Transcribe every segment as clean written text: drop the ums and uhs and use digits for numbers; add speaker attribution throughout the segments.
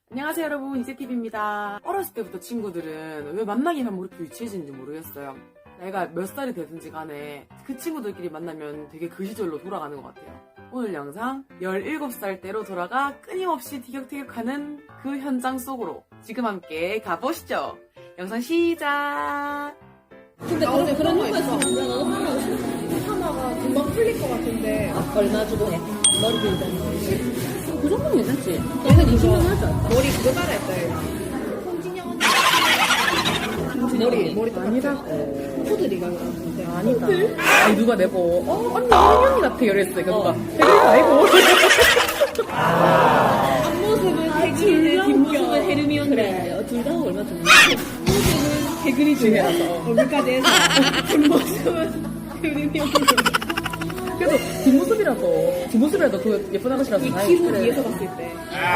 Speaker 1: 안녕하세요 여러분, 이세TV입니다. 어렸을 때부터 친구들은 왜 만나기만 하면 이렇게 유치해지는지 모르겠어요. 내가 몇 살이 되든지 간에 그 친구들끼리 만나면 되게 그 시절로 돌아가는 것 같아요. 오늘 영상 17살 때로 돌아가 끊임없이 티격태격하는 그 현장 속으로 지금 함께 가보시죠. 영상 시작!
Speaker 2: 근데 그런 효과 있으면 나도 하나가 싶어. 하나가 금방 풀릴 것 같은데. 얼마 주고 해? 머리 길다. 그 정도면 괜찮지. 얘는 20년 할 줄 알았다. 머리 그거 따라 했다, 얘가. 홍진영 언니. 머리
Speaker 1: 아니라고.
Speaker 2: 푸들이가 그러는데.
Speaker 1: 아니다. 아니 누가 내고 언니 혜련이 같아 이랬어. 누가 혜련이 아니고.
Speaker 2: 앞모습은 태그리드, 뒷모습은 헤르미온데. 그래. 둘 다 얼마 줬나? 앞모습은 태그리드라서 얼굴까지 해서 뒷모습은 헤르미온데.
Speaker 1: 그래도 뒷모습이라도 그 예쁜 아가씨라서
Speaker 2: 이
Speaker 1: 다행이다.
Speaker 2: 키로
Speaker 1: 그래.
Speaker 2: 위에서 봤을 때.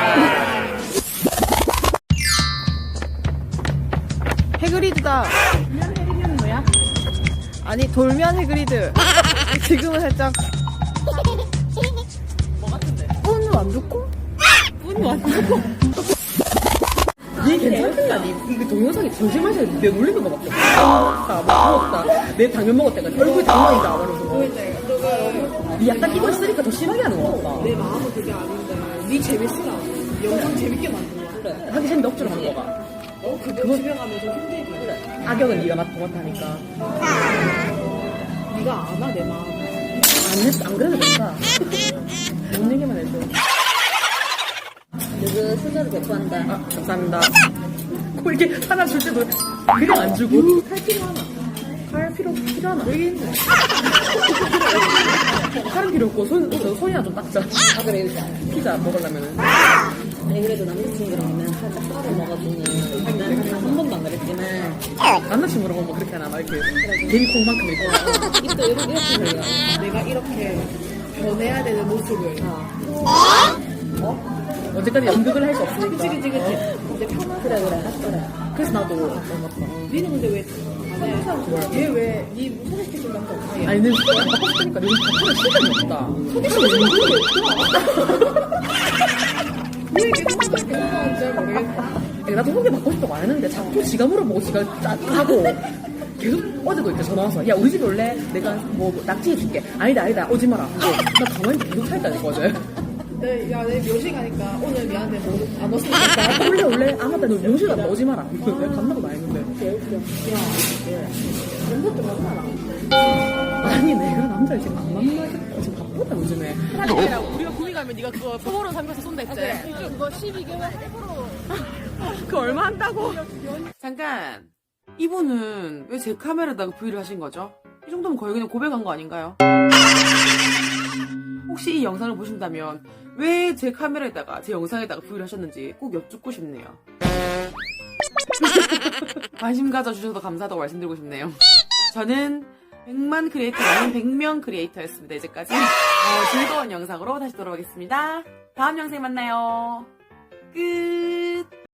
Speaker 3: 해그리드다. 돌면 해그리드는 뭐야? 아니 돌면 해그리드. 지금은 살짝
Speaker 1: 뭐 같은데?
Speaker 3: 운도 안 좋고?
Speaker 1: 얘 괜찮은가니? 이거 동영상이 조심하셔야 돼. 내가 놀리는 거밖에 없어. 먹었다, 먹었다. 내 당면 먹었다가 얼굴 당면이다. 말해서. 니 약간 이거 쓰니까 더 심하게 하는 거 같다.
Speaker 2: 내 마음은 그게 아닌데 네 재밌으라 영상 재밌게 만든 거야.
Speaker 1: 그래. 하기 싫은데 억지로 하는 거가.
Speaker 2: 그거 집에 가면 좀 힘들게. 그래.
Speaker 1: 악역은 네가 맡아니까.
Speaker 2: 네가 아나 내 마음.
Speaker 1: 안 그래도 된다. 뭔 얘기만 해줘.
Speaker 2: 누구 순서를 배포한다.
Speaker 1: 아, 감사합니다. 꼭 이렇게 하나 줄 때도 그냥 안 주고.
Speaker 2: 칼 필요하나?
Speaker 1: 칼 필요하나? 되게 힘들어. 칼은 필요 없고, 손이나 좀 닦자.
Speaker 2: 아 그래 이거.
Speaker 1: 피자 먹으려면은.
Speaker 2: 아니 그래도 남자친구랑 오면 살짝 썰을 먹어주는. 난 한 번도 안 그랬지만
Speaker 1: 남자친구랑 오면 그렇게 하나, 막 이렇게. 괜히 콩만큼 있고.
Speaker 2: 입도 이렇게 벌려. 내가 이렇게 변해야 되는 모습을.
Speaker 1: 어제까지 연극을 할 수 없으니까.
Speaker 2: 그치. 근데 편하게. 그래.
Speaker 1: 그래서 나도
Speaker 2: 니는 근데 왜 안 해? 얘왜니 소개시켜준 남자 없어?
Speaker 1: 아니 근데 바꿨으니까 요즘 바꾸는 시간이 없다.
Speaker 2: 왜 이렇게 소개시켜준지 잘 모르겠다.
Speaker 1: 나도 소개 받고 싶다고 안 했는데 자꾸 지가 물어보고 지가 하고 계속 어제도 이렇게 전화 와서 야 우리 집에 올래? 내가 뭐 낙지 해줄게. 아니다 오지 마라. 나 가만히 계속 서 있다니까 어제.
Speaker 2: 내 묘식 가니까 오늘 미안한데 뭐안 왔으니까.
Speaker 1: 원래 아 맞다 너 명실 갔다 오지 마라. 내가 간다고 나 했는데.
Speaker 2: 연습 좀 하잖아.
Speaker 1: 아니 내가 남자를 지금 안 만나겠다. 지금 바쁘다 요즘에.
Speaker 3: 우리가 구미 가면 네가 그거 소보로 삼겨서 쏜다 했지? 그거 12개월 그거 얼마 한다고?
Speaker 1: 잠깐. 이분은 왜 제 카메라에다가 V를 하신 거죠? 이 정도면 거의 그냥 고백한 거 아닌가요? 혹시 이 영상을 보신다면 왜 제 카메라에다가 제 영상에다가 V를 하셨는지 꼭 여쭙고 싶네요. 관심 가져주셔서 감사하다고 말씀드리고 싶네요. 저는 100만 크리에이터가 아닌 100명 크리에이터였습니다. 이제까지 즐거운 영상으로 다시 돌아오겠습니다. 다음 영상에 만나요. 끝.